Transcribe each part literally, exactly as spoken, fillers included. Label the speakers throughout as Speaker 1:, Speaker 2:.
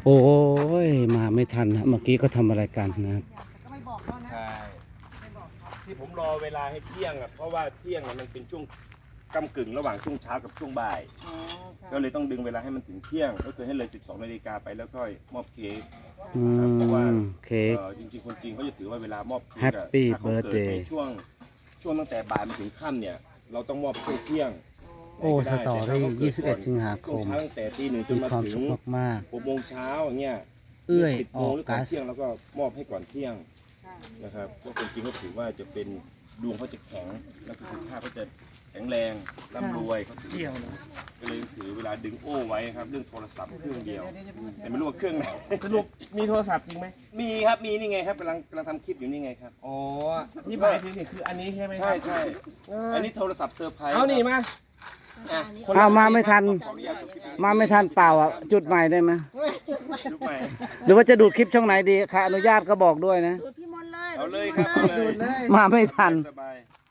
Speaker 1: โอ้ยมาไม่ทันนะเมื่อกี้ก็ทำอะไรกันนะครับ
Speaker 2: ใช่ที่ผมรอเวลาให้เที่ยงอ่ะเพราะว่าเที่ยงมันเป็นช่วงกำกึ่งระหว่างช่วงเช้ากับช่วงบ่ายก็เลยต้องดึงเวลาให้มันถึงเที่ยงก็คือให้เลยสิบสองนาฬิกาไปแล้วก็มอบเค้กเพราะว่า
Speaker 1: เค้ก
Speaker 2: จริงๆคนจีนเขาจะถือว่าเวลามอบเค้ก
Speaker 1: Happy Birthday
Speaker 2: ในช่วงช่วงตั้งแต่บ่ายมาถึงค่ำเนี่ยเราต้องมอบช่วงเที่ยง
Speaker 1: โอ้สตอรี่ยี่สิบเอ็ดสิงหาคม
Speaker 2: ตั้งแต่ตีหนึ่งจนมาถึง
Speaker 1: มาก
Speaker 2: หกโมงเช้าอย่างเงี้ย
Speaker 1: เอื้อย
Speaker 2: สิบโมงหรือก่อนเที่ยงแล้วก็มอบให้ก่อนเที่ยงนะครับเพราะคนจีนก็ถือว่าจะเป็นดวงเขาจะแข็งแล้วก็สุขภาพเขาจะแข็งแรงร่ำรวยเขาถือก็เลยถือเวลาดึงโอ้ไว้ครับเรื่องโทรศัพท์เครื่องเดียวแต่ไม่รู้ว่าเครื่องไหน
Speaker 3: สรุปมีโทรศัพท์จริงไหม
Speaker 2: มีครับมีนี่ไงครับกำลังกำลังทำคลิปอยู่นี่ไงครับ
Speaker 3: อ๋อที่หมายถึงนี่คืออันนี้ใช่ไหม
Speaker 2: ใช่ใช่อันนี้โทรศัพท์เซอร์ไพรส์
Speaker 3: เอานี่มา
Speaker 1: เอามาไม่ทันมาไม่ทันเปล่าอ่ะจุดใหม่ได้ไหม
Speaker 2: จุดใหม่
Speaker 1: หรือว่าจะดูดคลิปช่องไหนดีค่ะอนุญาตก็บอกด้วยนะ
Speaker 4: ดูพี่มนเลย
Speaker 2: เอาเลยครับ
Speaker 4: ดู
Speaker 2: เลย
Speaker 1: มาไม่ทัน
Speaker 2: สบาย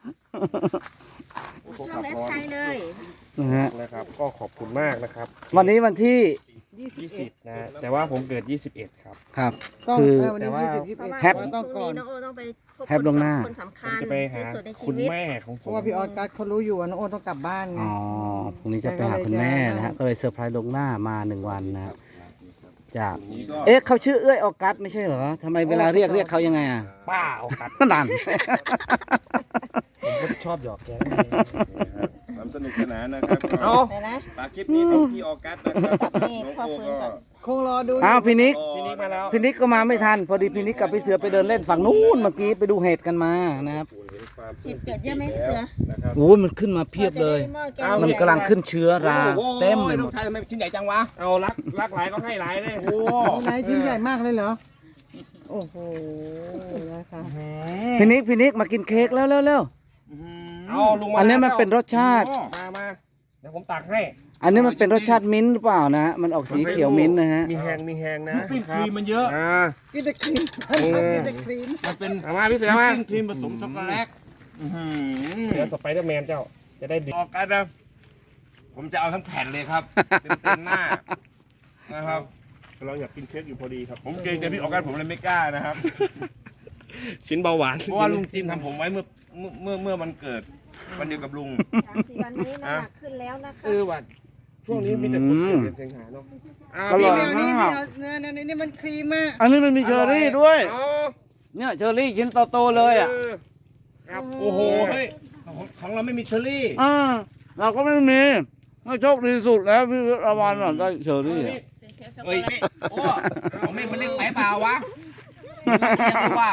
Speaker 4: ช่องเอสชัยเลย
Speaker 1: นะฮะ
Speaker 3: นะครับก็ขอบคุณมากนะครับ
Speaker 1: วันนี้วันที่
Speaker 3: ยี่สิบนะแต่ว่าผมเกิดยี่สิบเอ็ดครับ
Speaker 1: ครับคือ
Speaker 3: แต่ว่า
Speaker 1: แฮป
Speaker 4: ต้องก่อนน้องโอต้องไปพบ
Speaker 1: แฮปลงหน้า
Speaker 4: คนสำคัญ
Speaker 3: จะไปหา
Speaker 4: ที่สุดในชี
Speaker 3: คุณ
Speaker 4: วิต
Speaker 3: แม่ของผม
Speaker 5: เพราะว่าพี่ออสกัสเขารู้อยู่ว่าน้องโอต้องกลับบ้านไง
Speaker 1: อ๋อพรุ่งนี้จะไปหาคุณแม่นะฮะก็เลยเซอร์ไพรส์ลงหน้ามาหนึ่งวันนะครับจากเอ๊ะเขาชื่อเอื้อยออกัสไม่ใช่เหรอทำไมเวลาเรียกเรียกเขายังไงอ่ะ
Speaker 3: ป้าออกัส
Speaker 1: นั่น
Speaker 3: ผมก็ชอบหยอกแก
Speaker 2: ความสนุกสนานนะครับ
Speaker 3: เอา
Speaker 2: ฝากคลิปนี้ถึงพี่ออกัสนะครับน้องโอก็
Speaker 5: คงรอดู
Speaker 1: อ้าวพี่นิก
Speaker 3: พี่นิกมาแล้ว
Speaker 1: พี่นิกก็มาไม่ทันพอดีพี่นิกกับพี่เสือไปเดินเล่นฝั่งนู้นเมื่อกี้ไปดูเห็ดกันมานะครับ
Speaker 4: เห็ดเกิดเยอะไหมเสือ
Speaker 1: โอ้ยมันขึ้นมาเพียบเลยมันกำลังขึ้นเชื้อราเต็มเลยหมด
Speaker 2: น้องชายทำไมชิ้นใหญ่จังวะ
Speaker 3: เอารักรักหลายก็ให้หลายเลย
Speaker 2: โอ้
Speaker 5: ไหนชิ้นใหญ่มากเลยเหรอโอ้โหนะคะ
Speaker 1: พี่นิกพี่นิกมากินเค้กแล้วเร็วเร็ว
Speaker 3: เอาลุงมา
Speaker 1: อันนี้มันเป็นรสชาติ
Speaker 3: มามาเดี๋ยวผมตักให้
Speaker 1: อันนี้มันเป็นรสชาติมิ้นท์หรือเปล่านะมันออกสีเขียวมิ้นท์นะฮะ
Speaker 3: มีแหงมีแหงนะ
Speaker 2: ปิ้งครีมมันเยอะ
Speaker 5: กินแต่ครีมกินแต่ครีม
Speaker 2: มันเป็น
Speaker 3: มาพี่เสือมา
Speaker 2: ปิ้งครีมผสมช็อกโกแลต
Speaker 3: เสือสไปเดอร์แมนเจ้าจะได้ดี
Speaker 2: ออกกันนะผมจะเอาทั้งแผ่นเลยครับเต็มหน้านะครับ
Speaker 3: เราอยากกินเค้กอยู่พอดีครับ
Speaker 2: ผมเกรงใจพี่ออกกันผมเลยไม่กล้านะครับ
Speaker 3: ชิ้นเบาหวาน
Speaker 2: เพราะว่าลุงจิมทำผมไว้เมื่อเมื่อเมื่อมันเกิดวันเดียวกับลุง
Speaker 4: สามสี่วันนี้น้ำหนักขึ้นแล้วนะคะ
Speaker 3: เออวันช่วงนี้มีแต่คนเกิดเดือนสิงหาเนาะ
Speaker 1: อร่อย
Speaker 5: มากเนื้อเนื้อนี่มันครีมมาก
Speaker 1: อันนี้มันมีเชอร์รี่ด้วยเนี่ยเชอร์รี่ชิ้นโตๆเลยอ่ะ
Speaker 2: โอ้โหเฮ้ยของเราไม่มีเชอร์รี่
Speaker 1: อ่าเราก็ไม่มีไม่โชคดีสุดแล้วพี่ระวันหน่อยได้เชอร์รี่
Speaker 2: เฮ้ยโอ้ของแม่มันเล็กไปเปล่าวะว่า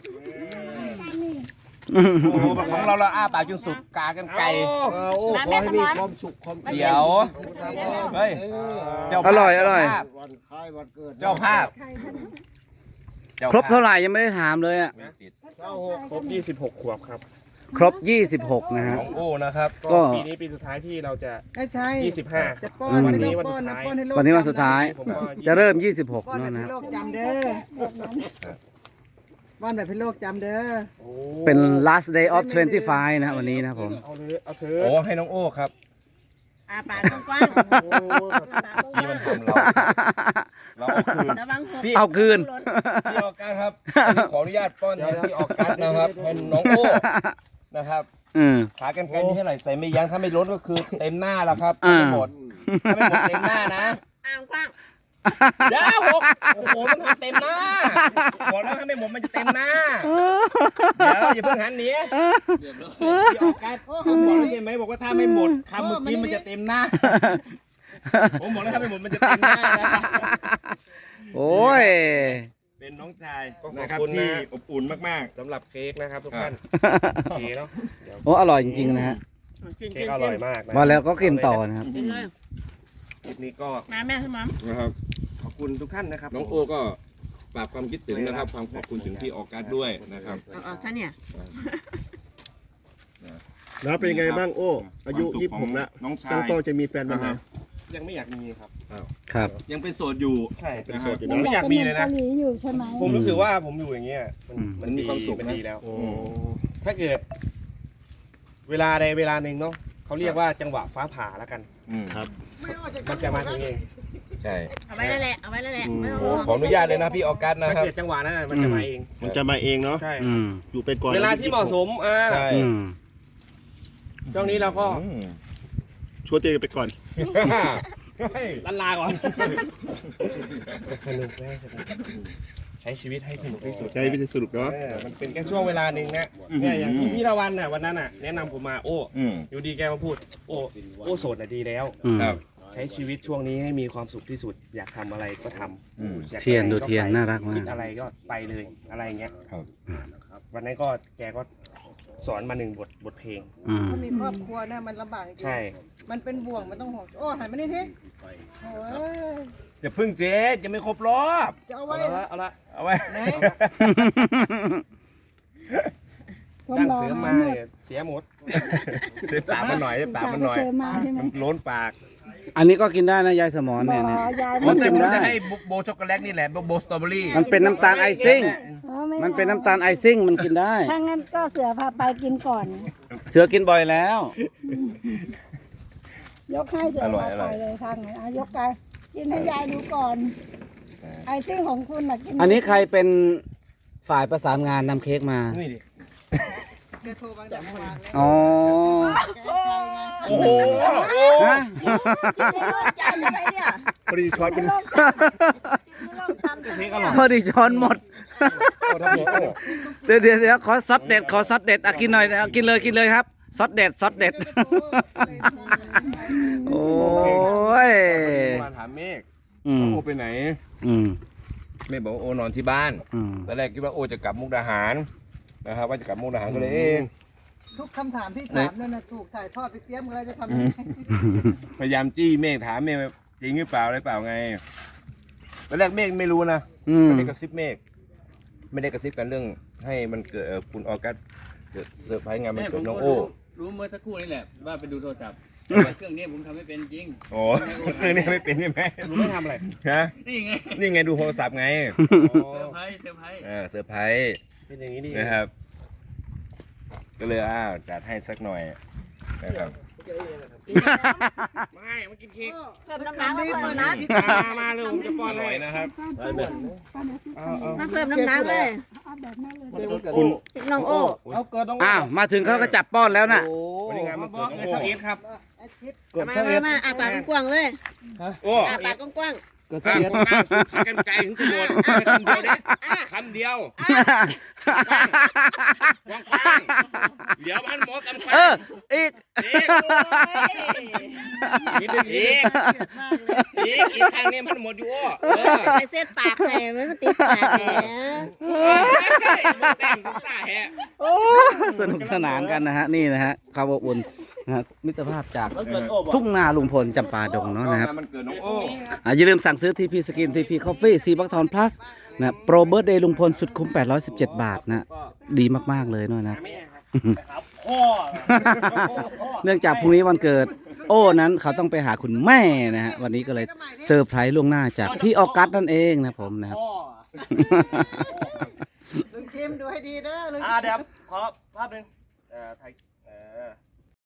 Speaker 2: โอ้โหของเราเราอ้าปากจนสุดกากันไกล
Speaker 3: โอ้ขอให้มีความสุขความ
Speaker 2: เดี๋ยวเฮ้ย
Speaker 1: อร่อยอร่อย
Speaker 2: เจ้าภาพ
Speaker 1: ครบเท่าไหร่ยังไม่ได้ถามเลยอ่ะ
Speaker 3: ครบยี่สิบหกขวบครับ
Speaker 1: ครบยี่สิบหกนะฮะ
Speaker 2: โอ้นะครับ
Speaker 3: ก็ปีนี้ปีสุดท้ายที่เราจะยี่สิบห้า
Speaker 5: วันนี้วันสุดท้าย
Speaker 1: วันนี้วันสุดท้ายจะเริ่มยี่สิบหกนั่นนะ
Speaker 5: โลกจำเด้อวันแบบเป็นโลกจำเด้อ
Speaker 1: เป็น last day of ยี่สิบห้านะวันนี้นะผม
Speaker 3: เอาเลยเอาเถอะ
Speaker 2: โอ้ให้น้องโอ้ครับ
Speaker 4: อาปากกว้าง
Speaker 2: ที่มันทำเราเรา
Speaker 1: เอาคืน
Speaker 2: พี่ออกกันครับขออนุญาตป้อนให้พี่ออกกันนะครับให้น้องโอ้นะครับขากันไกลนี่เท่าไหร่ใส่ไม่ยั้งถ้าไม่ลดก็คือเต็มหน้าแล้วครับไม่หมดถ้าไม่หมดเต็มหน้านะ
Speaker 4: อ่างกว้าง
Speaker 2: เดี๋ยวโอ้โหมันทำเต็มหน้าบอกแล้วถ้าไม่หมดมันจะเต็มหน้าเดี๋ยวอย่าเพิ่งหันหนีพี่ออกกันผมบอกแล้วใช่ไหมบอกว่าถ้าไม่หมดคำเมื่อกี้มันจะเต็มหน้าผมบอกแล้วถ้าไม่หมดมันจะเต็มหน้านะ
Speaker 1: โอ้ย
Speaker 2: เป็นน้องชายนะครับที่อบอุ่นมาก
Speaker 3: ๆสำหรับเค้กนะครับทุกท่านเค้กเนาะ
Speaker 1: โอ้อร่อยจริงๆนะฮะ
Speaker 3: เค้กอร่อยมาก
Speaker 1: มาแล้วก็กินต่อนะครับ
Speaker 3: คลิปนี้ก็
Speaker 4: มาแม่สมอง
Speaker 2: นะครับ
Speaker 3: ขอบคุณทุกท่านนะครับ
Speaker 2: น้องโอก็ฝากความคิดถึงนะครับความขอบคุณถึงที่ออกการด้วยนะครับ
Speaker 4: อ๋อใช่เนี่ย
Speaker 6: แล้วเป็นไงบ้างโอ้อายุยี่สิบหกแล้ว
Speaker 2: น้องชาย
Speaker 6: ตั้งโตจะมีแฟนบ้างไหม
Speaker 3: ยังไม่อยากมีครับ
Speaker 1: ครับ
Speaker 2: ยังเป็นโสดอยู่
Speaker 3: ใช่เป็นโสดอยู่ผมไม่อยากมีเลยนะ
Speaker 4: อยู่ใช่ไหม
Speaker 3: ผมรู้สึกว่าผมอยู่อย่างเงี้ยมันมีความสุขมันดีแล้วถ้าเกิดเวลาใดเวลาหนึ่งเนาะเขาเรียกว่าจังหวะฟ้าผ่าแล้วกัน
Speaker 2: ครับ
Speaker 3: มันจะมาถึงเอง
Speaker 2: ใช่
Speaker 4: เอาไว้นั่นแหละเอาไว้นั่นแหละไม่ต้อง
Speaker 2: โอ้
Speaker 4: ห่วง
Speaker 2: ขออนุญาตเลยนะพี่ออกัสนะ
Speaker 3: ถ้า
Speaker 2: ครับ
Speaker 3: เกิดจังหวะนั้นน่ะมันจะมาเอง
Speaker 6: มันจะมาเองเนาะ
Speaker 3: ใช่
Speaker 1: อืม
Speaker 6: อยู่ไปก่อน
Speaker 3: เวลาที่เหมาะสมอ่า
Speaker 2: ใช่
Speaker 1: อืม
Speaker 3: ช่วงนี้เราก็
Speaker 2: อืม
Speaker 6: ช่วยเตะไปก่อน
Speaker 3: ลันลาก่อนสนุกแม่สนุกใช้ชีวิตให้สนุกที่สุด
Speaker 6: ใช้วิธีสรุปเนาะ
Speaker 3: เออมันเป็นแค่ช่วงเวลาหนึ่งนะเนี่ยอย่างที่พี่ละวันน่ะวันนั้นน่ะแนะนำผมมาโอ้
Speaker 2: อืม
Speaker 3: อยู่ดีแกมาพูด โอ้โอ้โสดน่ะดีแล้ว
Speaker 1: อืม
Speaker 2: ครับ
Speaker 3: ใช้ชีวิตช่วงนี้ให้มีความสุขที่สุด อยากทำอะไรก็ทำ
Speaker 2: อืม
Speaker 3: อยาก
Speaker 1: เทียน
Speaker 3: ไป
Speaker 1: ดู
Speaker 3: ไห
Speaker 1: เทียน
Speaker 3: ไป
Speaker 1: น่ารักมาก
Speaker 3: คิดอะไรก็ไปเลยอะไรอย่างเงี้ย
Speaker 2: ครับ
Speaker 3: วันนั้นก็แกก็สอนมาหนึ่งบทบทเพลง
Speaker 1: อืม
Speaker 5: ถ้ามีครอบครัวนะมันลำบากจริง
Speaker 3: ใช่
Speaker 5: มันเป็นบ่วงมันต้องห่วงโอ้หันมานี่ทีโอ้ย
Speaker 2: อย่าพึ่งเจ๊จะไม่ครบรอบ
Speaker 5: จะเอา
Speaker 3: เอา
Speaker 5: ไว้
Speaker 3: ละเอาละ
Speaker 2: เอาไว้
Speaker 5: ไหน
Speaker 3: ตั้งเสือมาเนี่ยเสียหมด
Speaker 2: เจ๊ตามมันหน่อยเจ๊ตามมันหน่อยมันล้นปาก
Speaker 1: อันนี้ก็กินได้นะยายสมอนเนี่ยนะ
Speaker 2: มันแต่
Speaker 1: กิ
Speaker 2: ผม
Speaker 1: นได้
Speaker 2: จะให้โบช็อกโกแลตนี่แหละโบโบสตรอเบอรี่
Speaker 1: มันเป็นน้ำตาลไอซิ่ง มันเป็นน้ำตาลไอซิ่งมันกินได้
Speaker 7: ถ้างั้นก็เสือพาไปกินก่อน
Speaker 1: เสือกินบ่อยแล้ว
Speaker 7: ยกให้เสือ
Speaker 2: อร่อย
Speaker 7: พา
Speaker 2: อร่
Speaker 7: ไป
Speaker 2: อย
Speaker 7: เลยทางไหนอ่ะยกกันกินให้ยายดูก่อน ไอซิ่งของคุณน่ะกิน
Speaker 1: อันนี้ใครเป็นฝ่ายประสานงานนำเค้กมา
Speaker 3: นี่ดิ
Speaker 5: แกโทรมาจากเมื่อวานแล้ว
Speaker 1: อ๋อ
Speaker 2: โอ้โห
Speaker 1: ฮะ
Speaker 4: กินในโลกจานอะไรเนี่ย
Speaker 6: พอดีช้อนเป็น
Speaker 4: ในโลกจานอะไรเนี่ย
Speaker 1: พอดีช้อนหมด
Speaker 6: โอ้ทำหัวโอ้
Speaker 1: เดี๋ยวเดี๋ยวเดี๋ยวขอซอสเด็ดขอซอสเด็ดอ่ะกินหน่อยนะกินเลยกินเลยครับซอสเด็ดซอสเด็ด โอ้ย
Speaker 2: มาถามเมฆ
Speaker 1: อืม
Speaker 2: โอไปไหน
Speaker 1: อืม
Speaker 2: เมฆบอกว่าโอนอนที่บ้าน
Speaker 1: อืม
Speaker 2: ตอนแรกคิดว่าโอจะกลับมุกดาหารนะครับว่าจะกลับมุกดาหารก็เลยเอง
Speaker 5: ทุกคำถามที่ถามนั่นนะถูกถ่ายทอดไปเตรียมกันแล้วจะทำยังไง
Speaker 2: พยายามจี้เมฆถามเมฆว่าจริงหรือเปล่าอะไรเปล่าไงตอนแรกเมฆไม่รู้นะ
Speaker 1: อืม
Speaker 2: ไม่ได้กระซิบเมฆไม่ได้กระซิบกันเรื่องให้มันเกิดเอ่อคุณออกัสเกิดเซอร์ไพรส์งานมันเกิดน้องโอ้
Speaker 8: รู้เมื่อสักครู่นี่แหละว่าไปดูโทรศัพท์แต่เครื่องนี้ผมทำไม่เป็นจริง
Speaker 2: โอ้เรื่องนี้ไม่เป็นใช่ไหม
Speaker 3: รู้ไม่ทำอะไร
Speaker 2: ฮะ
Speaker 8: นี่ไง
Speaker 2: นี่ไงดูโทรศัพท์ไง
Speaker 3: อ๋อ
Speaker 8: เซอร์ไพรส์เซอร์ไพรส์
Speaker 2: เออเซอร์ไพรส์
Speaker 3: เป็นอย่างนี้ดิ
Speaker 2: นะครับ ก็เลยอ้าวจัดให้สักหน่อยนะครับ
Speaker 3: ไม่มากินเค้ก
Speaker 4: เพิ่มน้ำหนักมาเพิ่มน้ำหนัก
Speaker 3: มามาเลยผมจะป้อน
Speaker 2: อ
Speaker 3: เล
Speaker 2: ร่อย
Speaker 3: ย
Speaker 2: นะครับ
Speaker 3: เอาเอา
Speaker 4: มาเพิ่มน้ำหนักเลย
Speaker 6: คุณ
Speaker 4: น้องโอ้
Speaker 3: เอาเกิดต้อง
Speaker 1: อ้าวมาถึงเขาก็จับป้อนแล้วน่ะ
Speaker 3: วันนี้งานมันเกิดน้องโอ้เอสครับ
Speaker 5: อาทิตย์
Speaker 4: มามามาอ่ะปากกว้างๆเลย
Speaker 2: โอ้
Speaker 4: อ่ะปากกว้าง
Speaker 3: เกิด
Speaker 2: อ่ะ
Speaker 3: เสีย
Speaker 2: คนหน้าสุดกันไกลถึงจะหมดคำเดียวเด้คำเดียวกว้างๆเดี๋ยวมันหมดกัน
Speaker 1: เอออีก
Speaker 2: อีกอีกอีกอีกทางนี้มันหมดอยู่โอ้เออ
Speaker 4: ๆใส่เส้นปากให้มันติดปากแหม
Speaker 2: แต้มซ่าแฮะ
Speaker 1: โอ้สนุกสนานกันนะฮะนี่นะฮะความอบอุ่นนะฮะมิตรภาพจากทุ่งนาลุงพลจำปาดงเนาะนะครับ
Speaker 2: มันเกิดน้องโอ้
Speaker 1: อ่ะอย่าลืมสั่งซื้อทีพีสกินทีพีคอฟฟี่ซีบักทอนพลัสนะโปรเบิร์ดเดย์ลุงพลสุดคุ้มแปดร้อยสิบเจ็ดบาทนะดีมากๆเลยเนาะนะ เนื่องจากพรุ่งนี้วันเกิด โอ้นั้นเขาต้องไปหาคุณแม่นะฮะวันนี้ก็เลยเซอร์ไพรส์ล่วงหน้าจากพี่ออกัสนั่นเองนะผมนะครับ
Speaker 5: ลุงจิมดูให้ดีเด้อลุง
Speaker 3: อ่าเดี๋ยวขอภาพหนึ่งเอ่อถ่ายเอ่อ